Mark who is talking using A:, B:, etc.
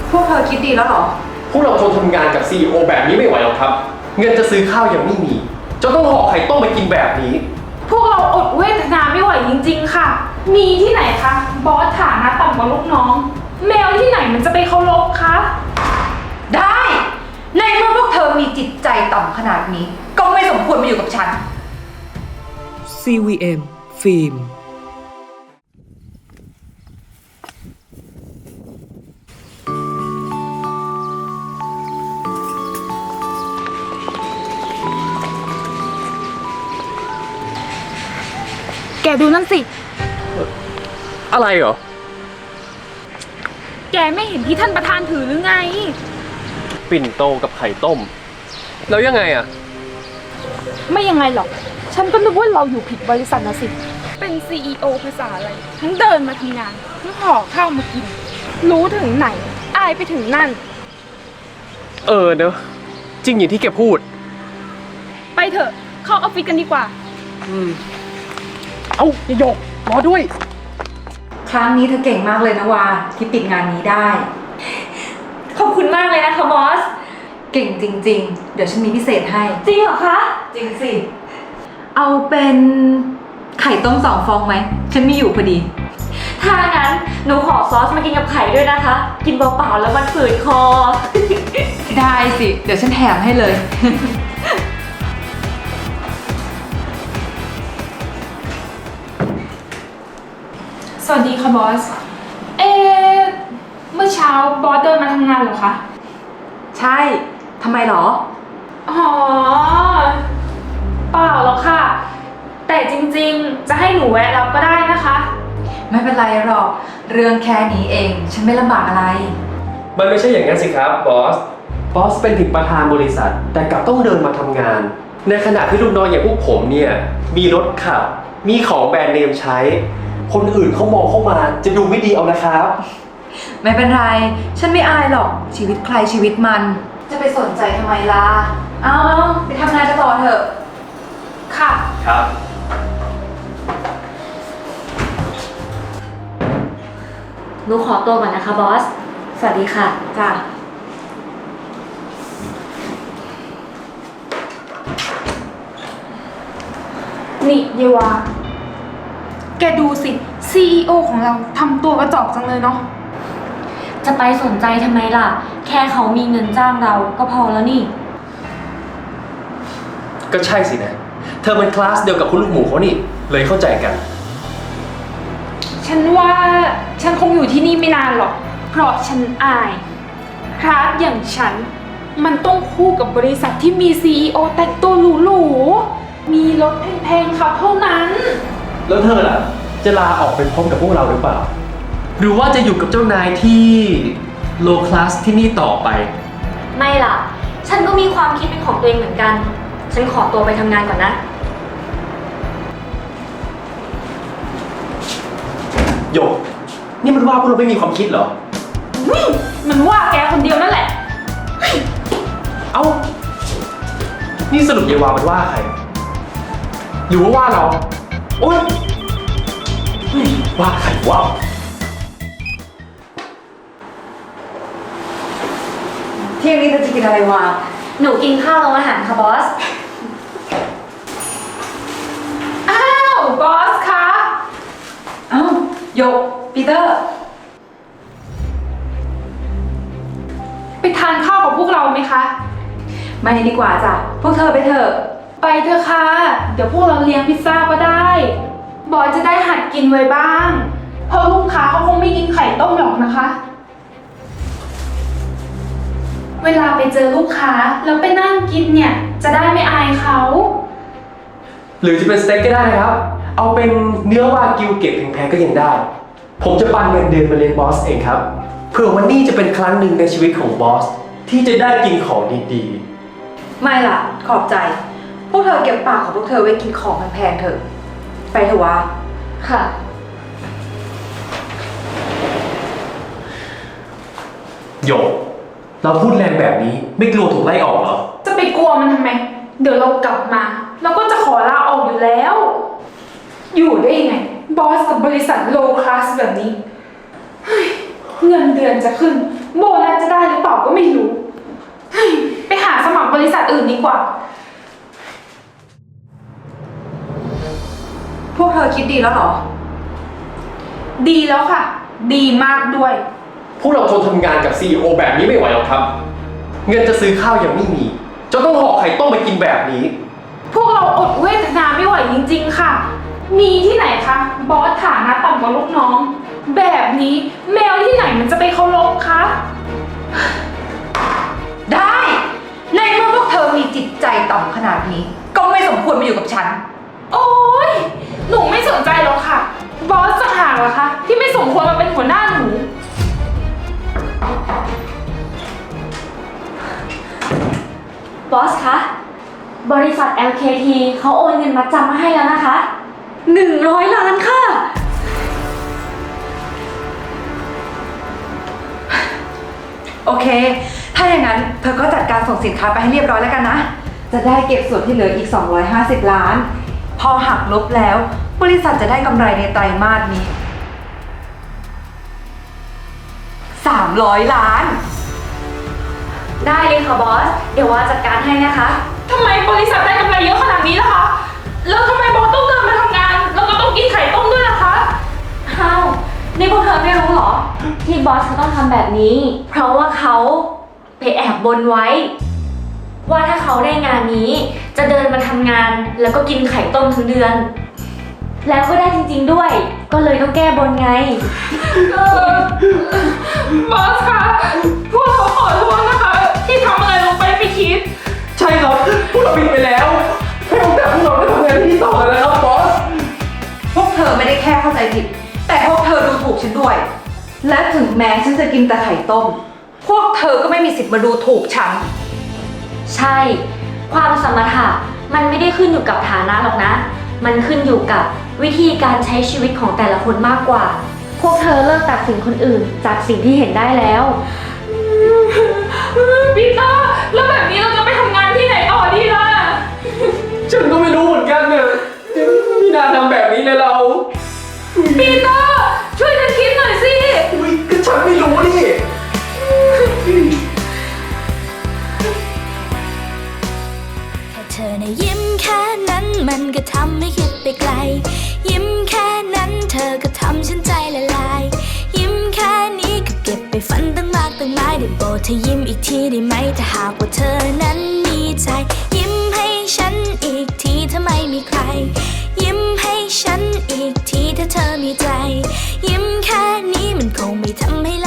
A: พวกเธอคิดดีแล้วเหรอ
B: พวกเราทนทำงานกับ CEO แบบนี้ไม่ไหวหรอกครับเงินจะซื้อข้าวยังไม่มีจะต้องห่อไข่ต้มไปกินแบบนี้
C: พวกเราอดเวทนาไม่ไหวจริงๆค่ะมีที่ไหนคะบอสฐานะต่ำกว่าลูกน้องแมวที่ไหนมันจะไปเคารพคะ
A: ได้ในเมื่อพวกเธอมีจิตใจต่ำขนาดนี้ก็ไม่สมควรมาอยู่กับฉัน
D: CVM ฟิล์ม
C: แกดูนั่นสิ
B: อะไรเหรอ
C: แกไม่เห็นที่ท่านประธานถือหรือไง
B: ปิ่นโตกับไข่ต้มแล้วยังไงอะ
C: ไม่ยังไงหรอกฉันก็นึกว่าเราอยู่ผิดบริษัทนะสิเป็น CEO ภาษาอะไรทั้งเดินมาทำงานทั้งห่อข้าวมากินรู้ถึงไหนอายไปถึงนั่น
B: เนอะจริงอย่างที่แกพูด
C: ไปเถอะเข้าออฟฟิศกันดีกว่า
B: เอ้าหยกรอด้วย
A: ครั้งนี้เธอเก่งมากเลยนะวาที่ปิดงานนี้ได้
C: ขอบคุณมากเลยนะคะบอส
A: เก่งจริงๆเดี๋ยวฉันมีพิเศษให้
C: จริงเหรอคะ
A: จริงสิเอาเป็นไข่ต้ม2 ฟองไหมฉันมีอยู่พอดี
C: ถ้างั้นหนูขอซอสมากินกับไข่ด้วยนะคะกินเปล่าๆแล้วมันฝืดคอ
A: ได้สิเดี๋ยวฉันแถมให้เลย
C: สวัสดีค่ะบอสเมื่อเช้าบอสเดินมาทำงานเหรอคะ
A: ใช่ทำไมหรอ
C: อ๋อเปล่าหรอกค่ะแต่จริงๆจะให้หนูแวะรับก็ได้นะคะ
A: ไม่เป็นไรหรอกเรื่องแค่นี้เองฉันไม่ลำบากอะไร
B: มันไม่ใช่อย่างนั้นสิครับบอสเป็นถึงประธานบริษัทแต่กลับต้องเดินมาทำงานในขณะที่ลูกน้องอย่างพวกผมเนี่ยมีรถขับมีของแบรนด์เนมใช้คนอื่นเขามองเข้ามาจะดูไม่ดีเอานะครับ
A: ไม่เป็นไรฉันไม่อายหรอกชีวิตใครชีวิตมันจะไปสนใจทำไมล่ะเอาไปทำงานกันต่อเถอะ
C: ค่ะ
B: ครับ
C: หนูขอตัวก่อนนะคะบอสสวัสดีค่ะ
A: จ้ะ
C: นี่เยวาแกดูสิ CEO ของเราทำตัวกระจอกจังเลยเนาะ
E: จะไปสนใจทำไมล่ะแค่เขามีเงินจ้างเราก็พอแล้วนี่
B: ก็ใช่สินะเธอเป็นคลาสเดียวกับคุณลูกหมูเขานี่เลยเข้าใจกัน
C: ฉันว่าฉันคงอยู่ที่นี่ไม่นานหรอกเพราะฉันอายคลาสอย่างฉันมันต้องคู่กับบริษัทที่มี CEO แต่งตัวหรูๆมีรถแพงๆขับเท่านั้น
B: แล้วเธอล่ะจะลาออกไปพร้อมกับพวกเราหรือเปล่าหรือว่าจะอยู่กับเจ้านายที่โลคลาสที่นี่ต่อไป
E: ไม่ล่ะฉันก็มีความคิดเป็นของตัวเองเหมือนกันฉันขอตัวไปทำงานก่อนนะ
B: โยกนี่มันว่าพวกเราไม่มีความคิดเหรอ
C: มันว่าแกคนเดียวนั่นแหละ
B: เอ้านี่สรุปเยวามันว่าใครหรือว่าเราโอ๊ยว่าใครวะ
A: เที่ยงนี้เธอจะกินอะไรวะ
E: หนูกินข้าวโรงอาหารค่ะบอส
C: อ้าวบอสคะ
A: โยกปีเตอร์
C: ไปทานข้าวกับพวกเราไหมคะ
A: ไม่ดีกว่าจ้ะพวกเธอไปเถอะ
C: ไปเถอะค่ะเดี๋ยวพวกเราเลี้ยงพิซซ่าก็ได้บอสจะได้หัดกินไว้บ้างเพราะลูกค้าเขาคงไม่กินไข่ต้มหรอกนะคะเวลาไปเจอลูกค้าแล้วไปนั่งกินเนี่ยจะได้ไม่อายเขา
B: หรือจะเป็นสเต็กก็ได้ครับเอาเป็นเนื้อวากิวเก็บแพงๆก็ยังได้ผมจะปันเงินเดือนมาเลี้ยงบอสเองครับเผื่อวันนี้จะเป็นครั้งหนึ่งในชีวิตของบอสที่จะได้กินของดี
A: ๆไม่ล่ะขอบใจพวกเธอเก็บปากของพวกเธอไว้กินของแพงๆเถอะไปเถอะวะ
E: ค่ะ
B: โยกเราพูดแรงแบบนี้ไม่กลัวถูกไล่ออกเหรอ
C: จะไปกลัวมันทำไมเดี๋ยวเรากลับมาเราก็จะขอลาออกอยู่แล้วอยู่ได้ยังไงบอสกับบริษัทโลคลาสแบบนี้เงินเดือนจะขึ้น โบนัสจะได้หรือเปล่าก็ไม่รู้เฮ้ยไปหาสมัครบริษัทอื่นดีกว่า
A: พวกเธอคิดดีแล้วเหรอ
C: ดีแล้วค่ะ ดีมากด้วย
B: พวกเราทนทำงานกับ CEO แบบนี้ไม่ไหวหรอกครับ เงินจะซื้อข้าวยังไม่มีจะต้องห่อไข่ต้มไปกินแบบนี้
C: พวกเราอดเวทนาไม่ไหวจริงๆค่ะ มีที่ไหนคะ บอสฐานะต่ำกว่าลูกน้อง แบบนี้แมวที่ไหนมันจะไปเคารพคะ
A: ได้ ในเมื่อพวกเธอมีจิตใจต่ำขนาดนี้ ก็ไม่สมควรมาอยู่กับฉัน
C: โอ๊ย หนูไม่สนใจหรอกค่ะ บอสจะห่างเหรอคะ ที่ไม่สมควรมาเป็นหัวหน้าหนู
E: บอสคะ บริษัท LKT เขาโอนเงินมัดจำมาให้แล้วนะคะ 100 ล้านค่ะ
A: โอเค ถ้าอย่างนั้นเธอก็จัดการส่งสินค้าไปให้เรียบร้อยแล้วกันนะ จะได้เก็บส่วนที่เหลืออีก 250 ล้าน พอหักลบแล้ว บริษัทจะได้กำไรในไตรมาสนี้ 300 ล้าน
E: ได้เลยค่ะบอส เดี๋ยวว่าจัดการให้นะคะ
C: ทำไมบริษัทได้กำไรเยอะขนาดนี้ล่ะคะ แล้วทำไมบอสต้องเดินมาทำงาน แล้วก็ต้องกินไข่ต้มด้วยล่ะคะ
E: อ้าว นี่พวกเธอไม่รู้เหรอ ที่บอสเขาต้องทำแบบนี้ เพราะว่าเขาไปแอบบนไว้ ว่าถ้าเขาได้งานนี้จะเดินมาทำงานแล้วก็กินไข่ต้มทั้งเดือน แล้วก็ได้จริงๆด้วย ก็เลยต้องแก้บนไง
C: บอสคะพวกเราขอโทษนะคะ ที่ทำอะไรลงไปไม่คิด
B: ใช่ครับ พวกเราผิดไปแล้ว ให้โอกาสพวกเราได้ทำงานที่นี่ต่อเลยนะครับบอส
A: พวกเธอไม่ได้แค่เข้าใจผิด แต่พวกเธอดูถูกฉันด้วย และถึงแม้ฉันจะกินแต่ไข่ต้ม พวกเธอก็ไม่มีสิทธิ์มาดูถูกฉัน
E: ใช่ ความสมรรถะมันไม่ได้ขึ้นอยู่กับฐานะหรอกนะ มันขึ้นอยู่กับวิธีการใช้ชีวิตของแต่ละคนมากกว่า พวกเธอเลิกตัดสินคนอื่นจากสิ่งที่เห็นได้แล้ว
C: ปีเตอร์ แล้วแบบนี้เราจะไปทำงานที่ไหนต่อดีล่ะ
B: ฉันก็ไม่รู้เหมือนกันเนี่ยพี่นาทำแบบนี้เลยเรา
C: ปีเตอร์ ช่วยกันคิดหน่อยสิ
B: อุ๊ยก็ฉันไม่รู้นี่
D: แค่เธอนะยิ้มแค่นั้นมันก็ทำให้คิดไปไกล ยิ้มแค่นั้นเธอก็ทำฉันใจละลาย ยิ้มแค่นี้ก็เก็บไปฝันตั้งมากตั้งหลายได้โปรดเธอยิ้มอีกทีได้ไหมถ้าหากว่าเธอนั้นมีใจ ยิ้มให้ฉันอีกทีถ้าไม่มีใคร ยิ้มให้ฉันอีกทีถ้าเธอมีใจ ยิ้มแค่นี้มันคงไม่ทำให้